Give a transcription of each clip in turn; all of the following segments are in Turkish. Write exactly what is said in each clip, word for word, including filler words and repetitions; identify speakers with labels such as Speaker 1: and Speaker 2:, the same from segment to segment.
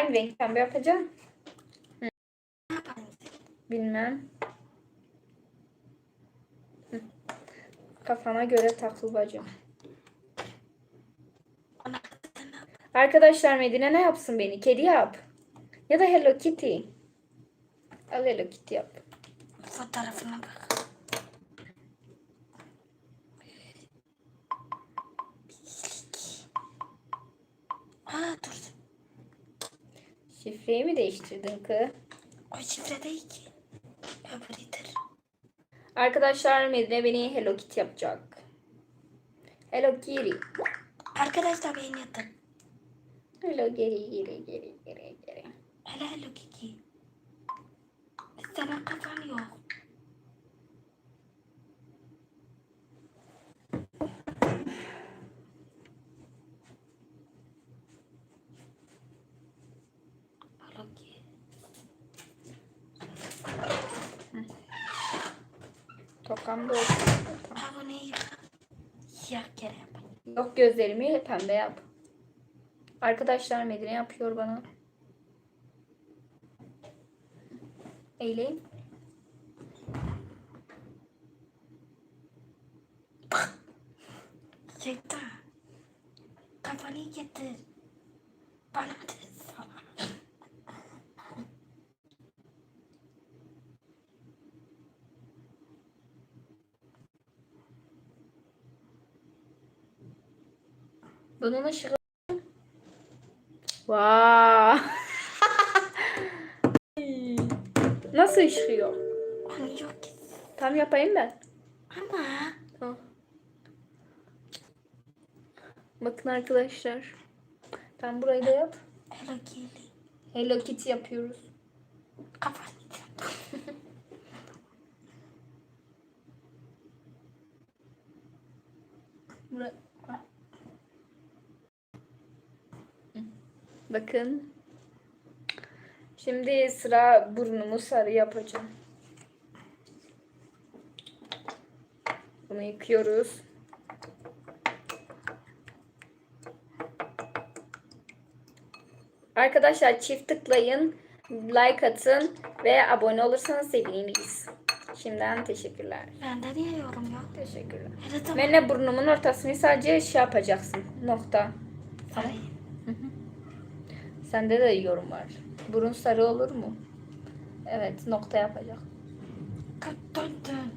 Speaker 1: Hangi renk pembe yapacağım? Hı. Bilmem. Hı. Kafana göre takıl bacım. Arkadaşlar Medine ne yapsın beni? Kedi yap. Ya da Hello Kitty. Al Hello Kitty yap.
Speaker 2: Fotoğrafına bak. Aa dur.
Speaker 1: Şifreyi mi değiştirdin kız?
Speaker 2: O şifre değil ki. Öbürüdür.
Speaker 1: Arkadaşlar Medine beni Hello Kitty yapacak. Hello Kitty.
Speaker 2: Arkadaşlar beni yatın.
Speaker 1: Hello geri geri geri geri geri.
Speaker 2: Hele hele Kiki. Sana kafan yok. Hello Kiki.
Speaker 1: Tokam da olsun.
Speaker 2: Ha bu ne ya? Siyah kere yap.
Speaker 1: Yok gözlerimi pembe yap. Arkadaşlar Medine yapıyor bana. Eğileyim.
Speaker 2: Şeytan. Kafanı getir. Bana de sana.
Speaker 1: Bunun ışığı. Vaa. Nasıl ışıyor?
Speaker 2: Onu yok ki.
Speaker 1: Tam yapayım ben.
Speaker 2: Ama.
Speaker 1: Al. Bakın arkadaşlar. Ben burayı da yap.
Speaker 2: Hello Kiki.
Speaker 1: Hello Kitty yapıyoruz.
Speaker 2: Kafanı
Speaker 1: Bura- Bakın. Şimdi sıra burnumu sarı yapacağım. Bunu yıkıyoruz. Arkadaşlar çift tıklayın, like atın ve abone olursanız seviniriz. Şimdiden teşekkürler.
Speaker 2: Bende niye yorum yok?
Speaker 1: Teşekkürler.
Speaker 2: Hele tamam.
Speaker 1: Ben de burnumun ortasını sadece şey yapacaksın. Nokta.
Speaker 2: Tamam.
Speaker 1: Sende de yorum var. Burun sarı olur mu? Evet, nokta yapacak.
Speaker 2: Dön dön.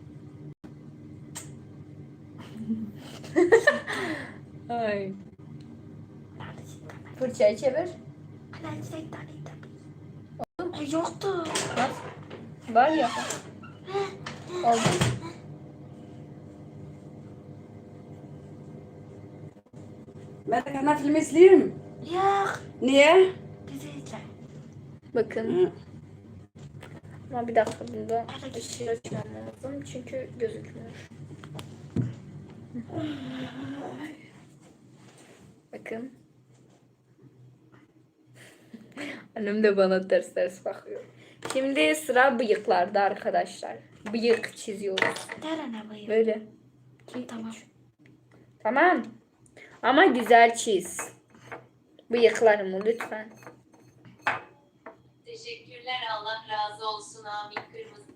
Speaker 1: Ay.
Speaker 2: Neredesin?
Speaker 1: Fırçayı çevir.
Speaker 2: Hala şeytan tabii. Ay yoktu.
Speaker 1: Nasıl? Var ya. Oldu.
Speaker 3: Ben de kanal filmi izleyeyim.
Speaker 2: Yok.
Speaker 3: Niye?
Speaker 2: Bizi izle.
Speaker 1: Bakın.
Speaker 3: Hı.
Speaker 1: Ama bir dakika bunda ışığı açmam lazım çünkü gözükmüyor. Bakın. Annem de bana ters ters bakıyor. Şimdi sıra bıyıklarda arkadaşlar. Bıyık çiziyoruz.
Speaker 2: Nerene bayım?
Speaker 1: Böyle. İki,
Speaker 2: Tamam.
Speaker 1: üç. Tamam. Ama güzel çiz. Bıyıklarımı lütfen.
Speaker 4: Teşekkürler, Allah razı olsun, amin. Kırmızı.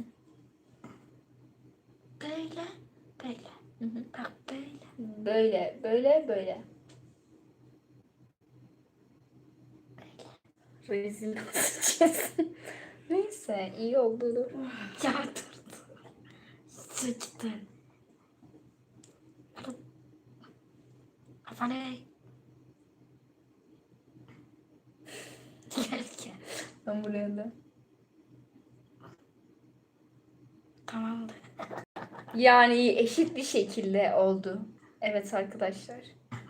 Speaker 2: Böyle. Böyle.
Speaker 1: Hı hı.
Speaker 2: Bak böyle.
Speaker 1: Böyle, böyle, böyle. Rezil olacağız. Neyse, iyi oldu.
Speaker 2: Ya dur. Sıçtın. Kafanı eğ. Gel gel.
Speaker 1: Ben buraya da.
Speaker 2: Tamamdır.
Speaker 1: Yani eşit bir şekilde oldu. Evet arkadaşlar.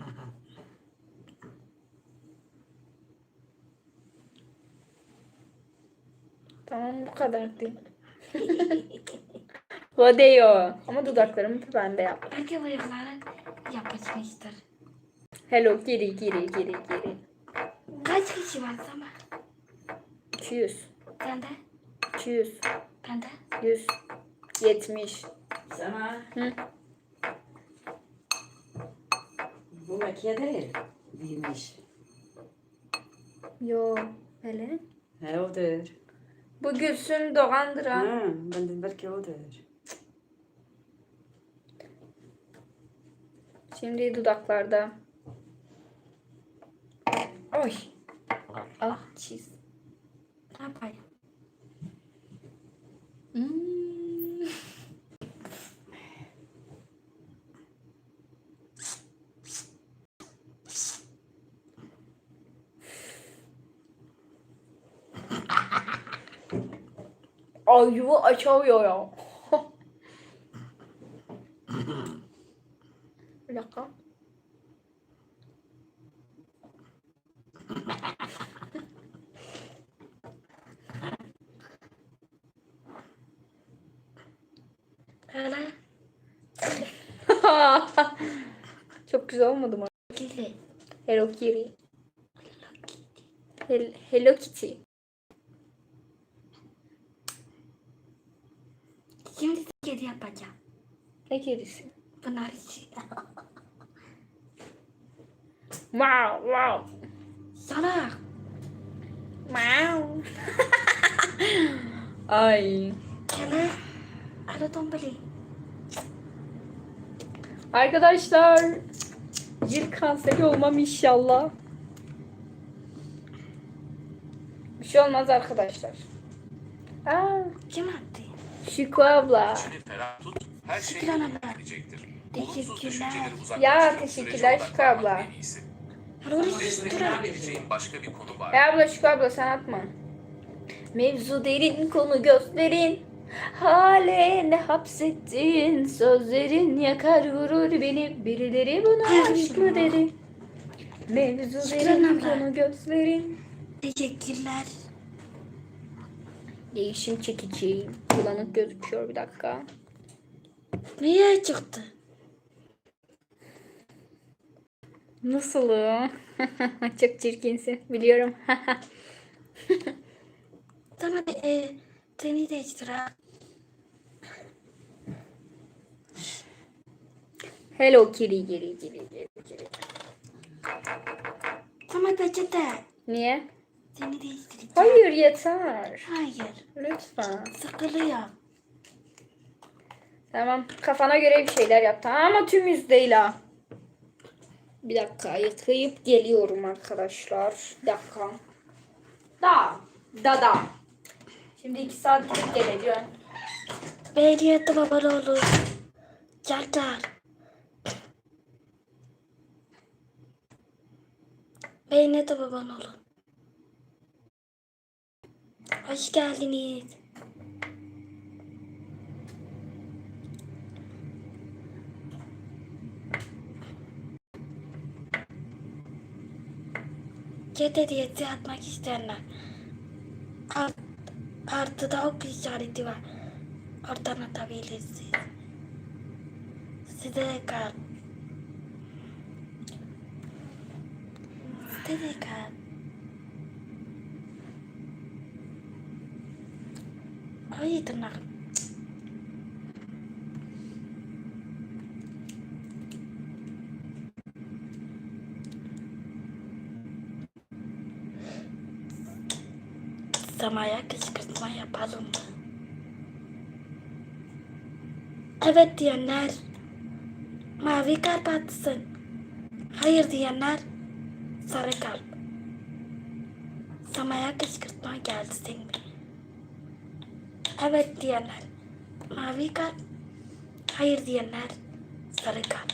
Speaker 1: Tamam bu kadar değil. Rodeo. Ama dudaklarımı ben de yap.
Speaker 2: Belki bıyıkların yapışmıştır.
Speaker 1: Hello geri geri geri geri.
Speaker 2: Kaç kişi var sana?
Speaker 1: iki yüz.
Speaker 2: Bende.
Speaker 1: iki yüz.
Speaker 2: Bende.
Speaker 1: yüz. yetmiş.
Speaker 3: Sana
Speaker 1: Hı?
Speaker 3: bu makiye değil. Değilmiş.
Speaker 1: Yo. Hele.
Speaker 3: He odur.
Speaker 1: Bu Gülsüm Doğan'dır ha.
Speaker 3: Ha, ben dedim belki odur.
Speaker 1: Şimdi dudaklarda. Oy. Ah çiz.
Speaker 2: Ne yapayım?
Speaker 1: Hmm. Ay yuva açamıyor ya. Bir dakika.
Speaker 2: Hele.
Speaker 1: Çok güzel olmadı mı?
Speaker 2: Gili.
Speaker 1: Hello Kitty. Hel- Hello Kitty.
Speaker 2: Şimdi kedi yapacağım.
Speaker 1: Ne kedisi?
Speaker 2: Bunlar için.
Speaker 1: Wow wow.
Speaker 2: Salak.
Speaker 1: Wow. Ay.
Speaker 2: Hele. Hele tombali.
Speaker 1: Arkadaşlar. Cilt kanseri olmam inşallah. Bir şey olmaz arkadaşlar. Aa,
Speaker 2: Kim attı?
Speaker 1: Şükrü abla.
Speaker 5: İçini ferah tut, her şey
Speaker 2: Şükran
Speaker 5: yoluna
Speaker 2: abla.
Speaker 5: girecektir.
Speaker 2: Teşekkürler.
Speaker 5: Olumsuz düşünceleri uzaklaştırıp
Speaker 1: Ya,
Speaker 5: sürece
Speaker 1: teşekkürler Şükrü abla.
Speaker 5: odaklanmak en iyisi.
Speaker 2: Hele
Speaker 5: Destek
Speaker 2: destek
Speaker 5: verebileceğin başka bir konu var.
Speaker 1: Ya abla Şükrü abla sen atma. Mevzu derin konu gösterin. Hale ne hapsettin sözlerin yakar vurur beni. Birileri buna aşk mı dedi. Mevzu
Speaker 2: Şükran
Speaker 1: derin
Speaker 2: abla.
Speaker 1: konu gösterin.
Speaker 2: Teşekkürler.
Speaker 1: Değişim çekici. Bulanık gözüküyor bir dakika.
Speaker 2: Niye çıktı?
Speaker 1: Nasılım? Çok çirkinsin biliyorum.
Speaker 2: Tamam e, seni değiştir ha.
Speaker 1: Hello Kitty geri geri geri geri.
Speaker 2: Tamam peçete.
Speaker 1: Niye?
Speaker 2: Seni değiştireceğim.
Speaker 1: Hayır yeter.
Speaker 2: Hayır.
Speaker 1: Lütfen.
Speaker 2: Sıkılıyor.
Speaker 1: Tamam. Kafana göre bir şeyler yap. Tamam ama tüm yüz değil ha. Bir dakika. Yıkayıp geliyorum arkadaşlar. Bir dakika. Da. Da da. Şimdi iki saat gidip geleceğim.
Speaker 2: Beğeniyette baban olur. Çarklar. Beğeniyette baban olur. Hoş geldiniz. Chat hediyesi atmak isteyenler. Art, artıda ok işareti var. Oradan atabilirsiniz. Size de kal. Size de kal. Ay tırnak. Samaya kışkırtma yapalım mı? Evet diyenler mavi kalp atsın. Hayır diyenler sarı kalp. Samaya kışkırtma geldi senin. Evet diyenler mavi kalp. Hayır diyenler sarı kalp.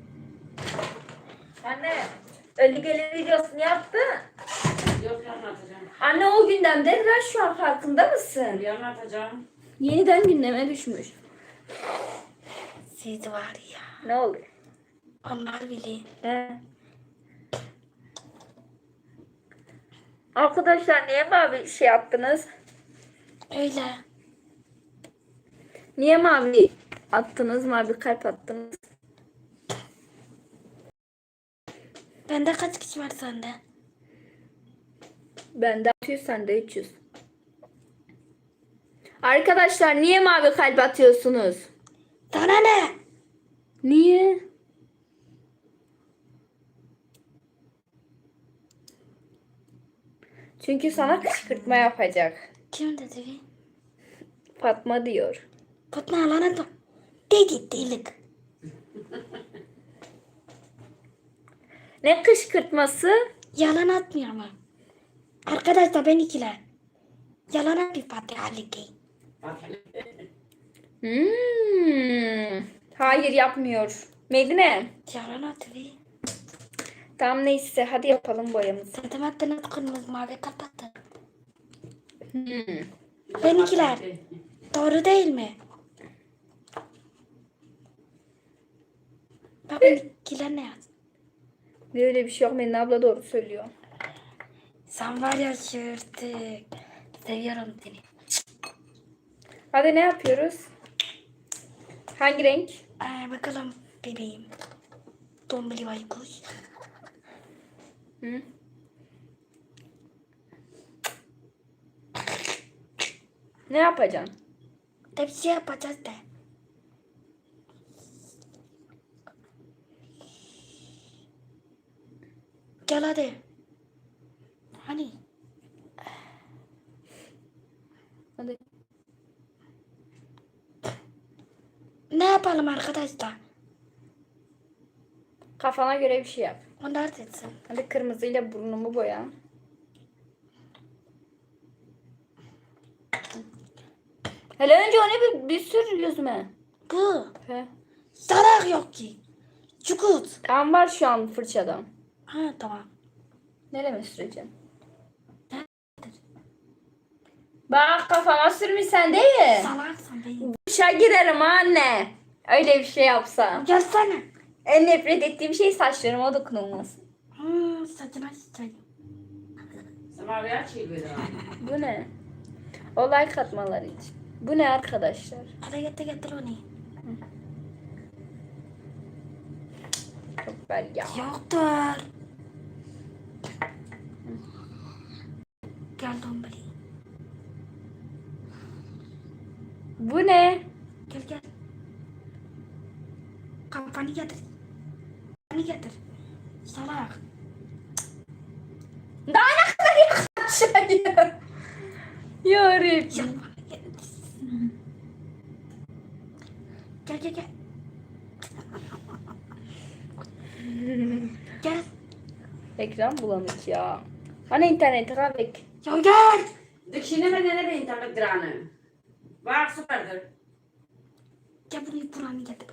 Speaker 1: Anne. Ölü gelin videosunu yaptı.
Speaker 3: Yok yarın atacağım.
Speaker 1: Anne o gündemdeler şu an farkında mısın?
Speaker 3: Yarın atacağım.
Speaker 1: Yeniden gündeme düşmüş.
Speaker 2: Siz var ya.
Speaker 1: Ne oluyor?
Speaker 2: Onlar bile.
Speaker 1: He. Arkadaşlar niye mavi şey yaptınız?
Speaker 2: Öyle.
Speaker 1: Niye mavi attınız? Mavi kalp attınız.
Speaker 2: Bende kaç kişi var sende?
Speaker 1: Bende altı yüz sende üç yüz. Arkadaşlar niye mavi kalp atıyorsunuz?
Speaker 2: Sana ne?
Speaker 1: Niye? Çünkü sana kışkırtma yapacak.
Speaker 2: Kim dedi?
Speaker 1: Fatma diyor.
Speaker 2: Fatma yalan atma. Dedi delik.
Speaker 1: Ne kışkırtması?
Speaker 2: Yalan atmıyor ama. Arkadaşlar ben ikiler. Yalan atıyor Fatih Ali Gey.
Speaker 1: Hmm. Hayır yapmıyor. Medine.
Speaker 2: Yalan atıyor.
Speaker 1: Tamam neyse hadi yapalım boyamızı.
Speaker 2: Zaten hattını kırmızı mavi kapattı.
Speaker 1: Hmm.
Speaker 2: Ben ikiler. Doğru değil mi? Bak ben ikiler ne yaz?
Speaker 1: Böyle bir şey yok. Medine abla doğru söylüyor.
Speaker 2: Sen var ya şırtık. Seviyorum seni.
Speaker 1: Hadi ne yapıyoruz? Hangi renk?
Speaker 2: Ee, bakalım bebeğim. Dombili baykuş.
Speaker 1: Hı? Ne yapacaksın?
Speaker 2: Da bir şey yapacağız da. Gel hadi. Hani?
Speaker 1: Hadi.
Speaker 2: Ne yapalım arkadaşlar?
Speaker 1: Kafana göre bir şey yap.
Speaker 2: Onlar desin.
Speaker 1: Hadi kırmızıyla burnumu boya. Hele önce onu bir, bir sür yüzüme.
Speaker 2: Bu.
Speaker 1: He.
Speaker 2: Zarar yok ki. Çukut.
Speaker 1: Kan var şu an fırçada.
Speaker 2: Ha tamam.
Speaker 1: Nereye süreceğim? Bak kafama sürmüşsen değil.
Speaker 2: Salaksın benim.
Speaker 1: Duşa girerim anne. Öyle bir şey yapsam.
Speaker 2: Gelsene.
Speaker 1: En nefret ettiğim şey saçlarıma dokunulması.
Speaker 2: Hmm, saçma sıçrayım.
Speaker 3: Semaver çevir ha.
Speaker 1: Bu ne? O like atmaları için. Bu ne arkadaşlar?
Speaker 2: Hadi getir getir onu.
Speaker 1: Çok bel ya.
Speaker 2: Yoktur. Gel dombili.
Speaker 1: Bu ne?
Speaker 2: Gel gel. Kafanı getir. Kafanı getir. Salak.
Speaker 1: Daha ne kadar yaklaşıyor? Yarabbim.
Speaker 2: Kafanı getir. Gel gel gel. Gel.
Speaker 1: Ekran bulanık ya. Hani interneti kahvek.
Speaker 2: Ya gel.
Speaker 3: Dikşine mi ne de internet dranı? Bak süperdir.
Speaker 2: Gel bunu buranı getir.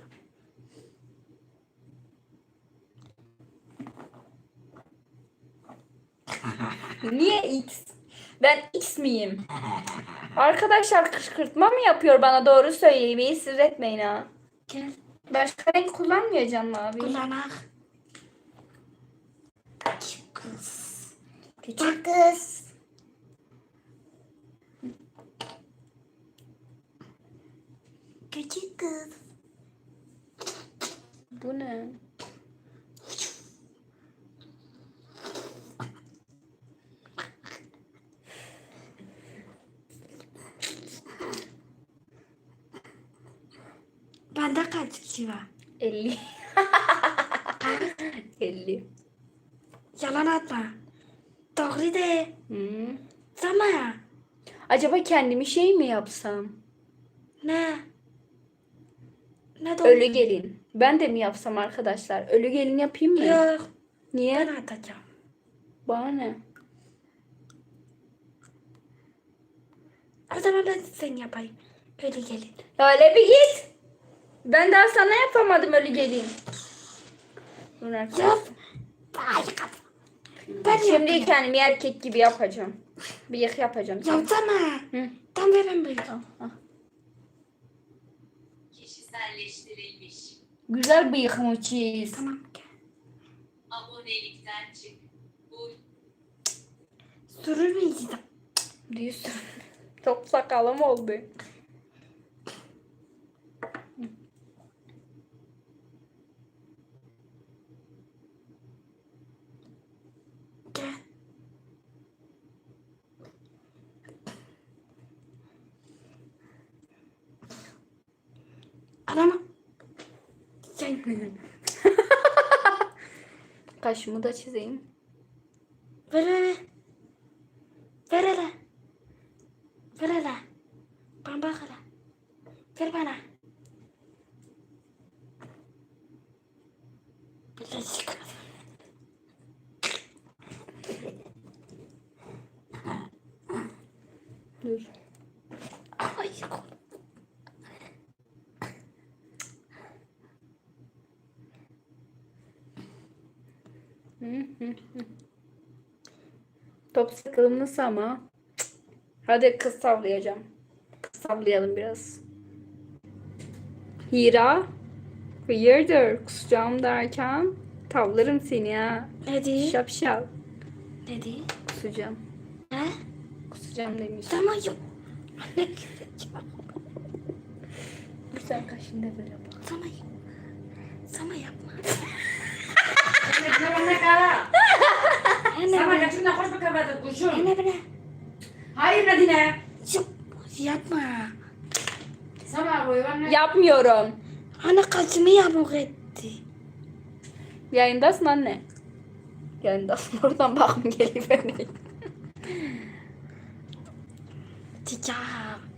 Speaker 1: Niye X? Ben X miyim? Arkadaşlar kışkırtma mı yapıyor bana doğru söyleyin. Beni sinir etmeyin ha.
Speaker 2: Gel.
Speaker 1: Başka renk kullanmayacağım mı abi?
Speaker 2: Kullanak. Küçük kız.
Speaker 1: Küçük kız.
Speaker 2: Küçük kız.
Speaker 1: Bu ne?
Speaker 2: Bende kaç kişi var?
Speaker 1: elli. elli.
Speaker 2: Yalan atma. Doğru de.
Speaker 1: Hmm.
Speaker 2: Sama.
Speaker 1: Acaba kendimi şey mi yapsam?
Speaker 2: Ne? Ne doğru?
Speaker 1: Ölü gelin. Ben de mi yapsam arkadaşlar? Ölü gelin yapayım mı?
Speaker 2: Yok.
Speaker 1: Niye?
Speaker 2: Ben atacağım.
Speaker 1: Bana ne?
Speaker 2: O zaman ben sen yapayım. Öyle gelin.
Speaker 1: Öyle bir git. Ben daha sana yapamadım ölü gelin. Dur arkadaşlar.
Speaker 2: Yap. Harika. Ben
Speaker 1: Şimdi
Speaker 2: yapayım.
Speaker 1: kendimi erkek gibi yapacağım. Bıyık yapacağım.
Speaker 2: Yapsana.
Speaker 1: Hı.
Speaker 2: Tam veren böyle.
Speaker 1: Ah.
Speaker 4: Kişiselleştirilmiş.
Speaker 1: Güzel bıyıkımı çiz.
Speaker 2: Tamam. Gel.
Speaker 4: Abonelikten çık. Bu
Speaker 2: Sürür müyüz?
Speaker 1: Düz. Çok sakalım oldu.
Speaker 2: Gel. Adamı. Sen.
Speaker 1: Kaşımı da çizeyim.
Speaker 2: Ver ver ver. Ver hele. Ver hele. Ben bak hele. Ver bana. Birazcık.
Speaker 1: Dur.
Speaker 2: Ay.
Speaker 1: Hı hı hı. Top sıkılmış ama. Cık. Hadi kız savlayacağım. Kız savlayalım biraz. Hira. Hayırdır kusacağım derken tavlarım seni ha.
Speaker 2: Ne diyor?
Speaker 1: Şapşal.
Speaker 2: Ne diyor?
Speaker 1: Kusacağım.
Speaker 2: He?
Speaker 1: Kusacağım demiş.
Speaker 2: Tamam yok. Anne.
Speaker 1: Güzel kaşında böyle bak.
Speaker 2: Sana yok. Sana yapma.
Speaker 3: Ne ne kara?
Speaker 2: Anne
Speaker 3: Sama
Speaker 2: bana.
Speaker 3: kaçımda hoş bir kafadır kuşum.
Speaker 2: Anne bana.
Speaker 3: Hayır Nadine.
Speaker 2: Yok. Yapma.
Speaker 3: Sama koy anne.
Speaker 1: Yapmıyorum.
Speaker 2: Anne kaçımı yamuk etti.
Speaker 1: Yayındasın anne. Yayındasın. Oradan bakım geliyor beni.
Speaker 2: Çiçeğim.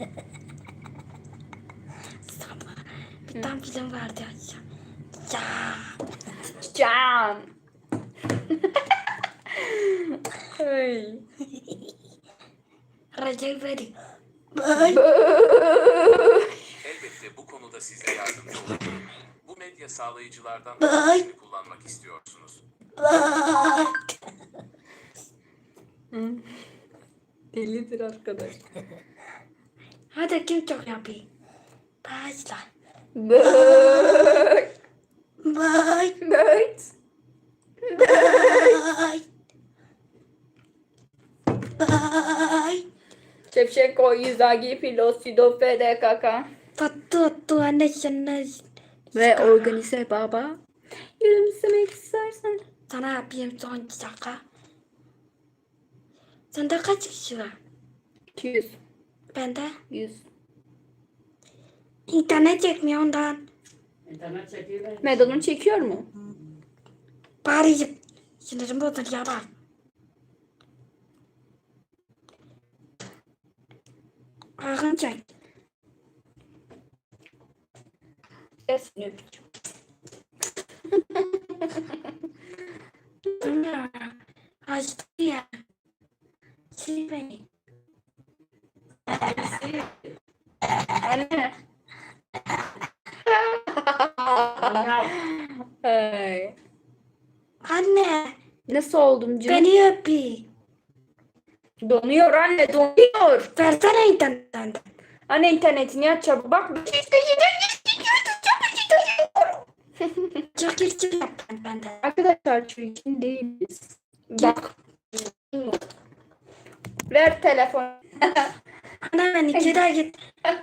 Speaker 2: Sana bir tane film vardı ya. Çiçeğim.
Speaker 1: Can. Ay.
Speaker 2: Recep Bey.
Speaker 5: Elbette bu konuda size yardımcı olabilirim. Bu medya sağlayıcılardan
Speaker 2: Bye.
Speaker 5: hangisini kullanmak istiyorsunuz?
Speaker 1: Delidir arkadaş.
Speaker 2: Hadi kim çok yapayım? Başla.
Speaker 1: Bıy.
Speaker 2: Bye.
Speaker 1: Bıy.
Speaker 2: Bye. Bye.
Speaker 1: Şevşenko, Izagi, Filosido, F D K K
Speaker 2: Tatlı tatlı anne sana.
Speaker 1: ve Organize Baba. Gülümsemek istersen.
Speaker 2: Sana yapayım son şaka. Sende kaç kişi var?
Speaker 1: iki yüz.
Speaker 2: Bende.
Speaker 1: yüz.
Speaker 2: İnternet çekmiyor ondan.
Speaker 3: İnternet çekiyor.
Speaker 1: Medon'un çekiyor mu?
Speaker 2: Bari sinirim bozuldu ya bak. Ağın çek.
Speaker 1: Esni öpücük.
Speaker 2: Ana. Açtı ya. Sil beni.
Speaker 1: Anne. Ay.
Speaker 2: Anne.
Speaker 1: Nasıl oldum canım?
Speaker 2: Beni öpü.
Speaker 1: Donuyor anne, donuyor.
Speaker 2: Versene internetten.
Speaker 1: Anne internetini aç çabuk. Bak.
Speaker 2: Çekil çekil yap bende.
Speaker 1: Arkadaşlar çirkin değiliz. Bak. Ver telefon.
Speaker 2: Ana ben iki daha git.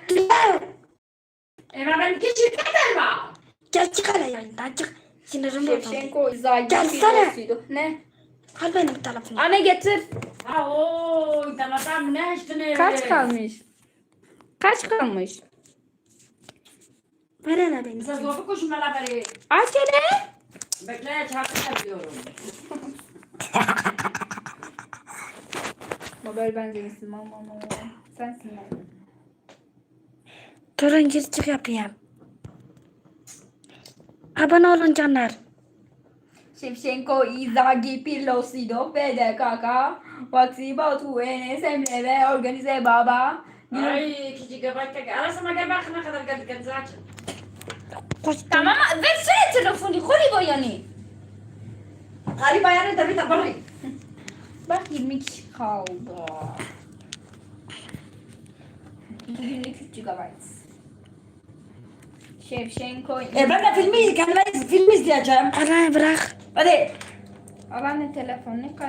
Speaker 3: Emre ben küçük var.
Speaker 2: Gel çık hele yayından çık. Sinirim bozuldu.
Speaker 1: Şevşenko, Izagi,
Speaker 2: Gelsene.
Speaker 1: Filosido. Ne?
Speaker 2: Al benim telefonu.
Speaker 1: Anne getir.
Speaker 3: Ha o internetten ne işte
Speaker 1: Kaç kalmış? Kaç kalmış?
Speaker 2: Ver hele beni.
Speaker 3: Size zorlu koşmalar beri.
Speaker 1: Aç hele.
Speaker 3: Bekle çarpı yapıyorum.
Speaker 1: Mobil benzemisin mama mama. Sensin yani.
Speaker 2: Durun gir çık yapayım. Abone olun canlar.
Speaker 1: Şevşenko, Izagi, Filosido, F D K K, Vaksi, Batu, Enes, Emre ve Organize Baba.
Speaker 3: Ay küçük göbekte. Arasına gel bak ne kadar geldik geldik aç.
Speaker 2: Koştum.
Speaker 1: Tamam, versene telefonu. Kolibo yani.
Speaker 3: Ali bayanı da bir tabanı.
Speaker 1: Bak yirmi kişi kaldı. Günlük üç gigabayt. Şevşenko.
Speaker 3: E ben de filmi kendime film izleyeceğim.
Speaker 2: Ana bırak.
Speaker 3: Hadi.
Speaker 1: Al anne telefonu.